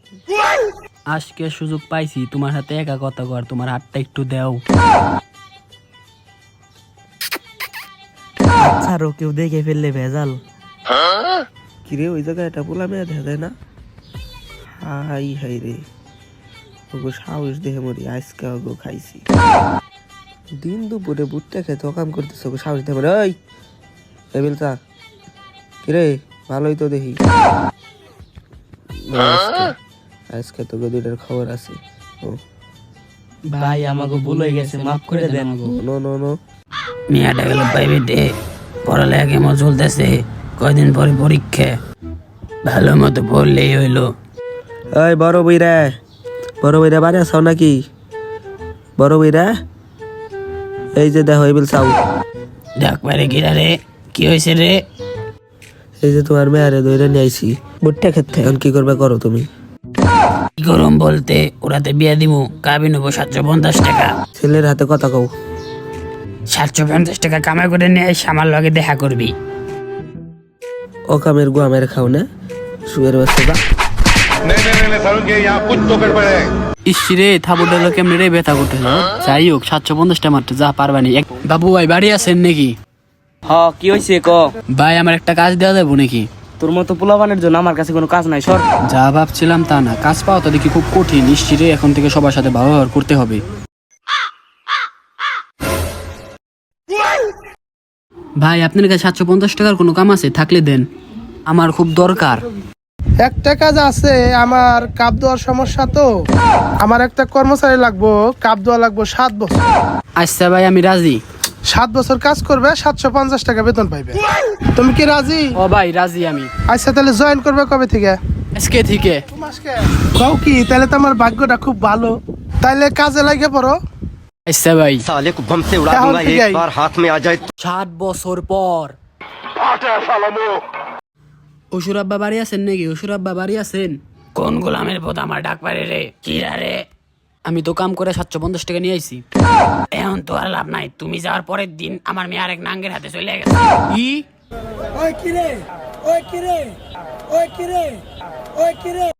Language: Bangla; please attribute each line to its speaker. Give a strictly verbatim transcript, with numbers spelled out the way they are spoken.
Speaker 1: আজকে সুযোগ পাইছি তোমার সাথে একা কথা কর, তোমার হাতটা একটু দাও।
Speaker 2: আচ্ছা রো, কেউ দেখে ফেললে ভেজাল।
Speaker 3: কিরে ওই জায়গায় এটা বলা মেয়ে দেখা যায় না? হাই হাই রে, ওগো সাহস দেখে মরি, আজকে ওগো খাইছি। দিন দুপুরে বুটটা খেতে কাম করতেছে, ওগো সাহস দেখে মরি। ওই টেবিল চা কিরে, ভালোই তো দেখি। আজকে তোকে দুইটার খবর আছে। ও
Speaker 2: ভাই আমাকে ভুল হয়ে গেছে, মাফ করে দেন।
Speaker 3: নো নো নো
Speaker 1: মেয়েটা গেল প্রাইভেটে, পড়ালেখা কেমন চলতেছে? কয়দিন পরে পরীক্ষা, ভালো মতো পড়লেই হইলো।
Speaker 3: ওই বড় বইরা, বড় বইরা বাড়ি আসাও নাকি? বড় বইরা এই যে দেখো এবিল চাও।
Speaker 1: ডাক পারে গিরা রে, কি হয়েছে রে?
Speaker 3: এই যে তোমার মেয়ারে দইরা নিয়ে আইছি বুটটা খেতে, এখন কি করবে করো তুমি।
Speaker 1: কি করম বলতে, ওরাতে বিয়া দিমু, কাবি নেবো সাতশো পঞ্চাশ টাকা।
Speaker 3: ছেলের হাতে কথা কও।
Speaker 1: সাতশো পঞ্চাশ টাকা কামাই করে নিয়ে এসে আমার লগে দেখা করবি।
Speaker 3: ও কামের গুয়া মেরে খাও না, শুয়ের বাচ্চা।
Speaker 1: ইসরে থাবুর ডালো কেমনে রে ব্যথা করতে, যাই হোক সাতশো পঞ্চাশটা মাত্র, যা পারবানি। বাবু ভাই বাড়ি আছেন নাকি?
Speaker 2: হ, কি হয়েছে ক?
Speaker 1: ভাই আমার একটা কাজ দেওয়া যাবো নাকি?
Speaker 2: তোর মতো পোলাপানের জন্য আমার কাছে কোনো কাজ নাই, সর।
Speaker 1: যা ভাবছিলাম তা না, কাজ পাওয়া তো দেখি খুব কঠিন। ইসরে এখন থেকে সবার সাথে ভালো ব্যবহার করতে হবে। ভাই আপনার কাছে সাতশো পঞ্চাশ টাকার কোনো কাম আছে? থাকলে দেন, আমার খুব দরকার।
Speaker 4: একটা কাজ আছে, আমার কাপ দেওয়ার সমস্যা তো, আমার একটা কর্মচারী লাগবো, কাপ দেওয়া লাগবো সাত বছর।
Speaker 1: আচ্ছা ভাই আমি রাজি।
Speaker 4: সাত বছর কাজ করবে, সাতশো পঞ্চাশ টাকা বেতন পাইবে। তুমি কি রাজি?
Speaker 1: ও ভাই রাজি আমি।
Speaker 4: আচ্ছা তাহলে জয়েন করবে কবে থেকে?
Speaker 1: আজকে থেকে।
Speaker 4: কও কি, তাহলে তো আমার ভাগ্যটা খুব ভালো, তাইলে কাজে লাগে পড়ো।
Speaker 1: আচ্ছা ভাই।
Speaker 5: साले को बम से उड़ा दूंगा एक बार हाथ में आ जाए।
Speaker 1: সাত বছর পর। অসুর আব্বা বাড়ি আছেন নাকি? অসুর আব্বা বাড়ি আছেন? কোন গোলামের পথ আমার ডাক পারে রে? কিরা রে? আমি তো কাম করে সাতশো পঞ্চাশ টাকা নিয়ে আইছি। এখন তো আর লাভ নাই, তুমি যাওয়ার পরের দিন আমার মেয়ে আরেক নাঙ্গের হাতে চলে গেছে। কি?
Speaker 4: ওই কিরে, ওই কিরে, ওই কিরে, ওই কিরে।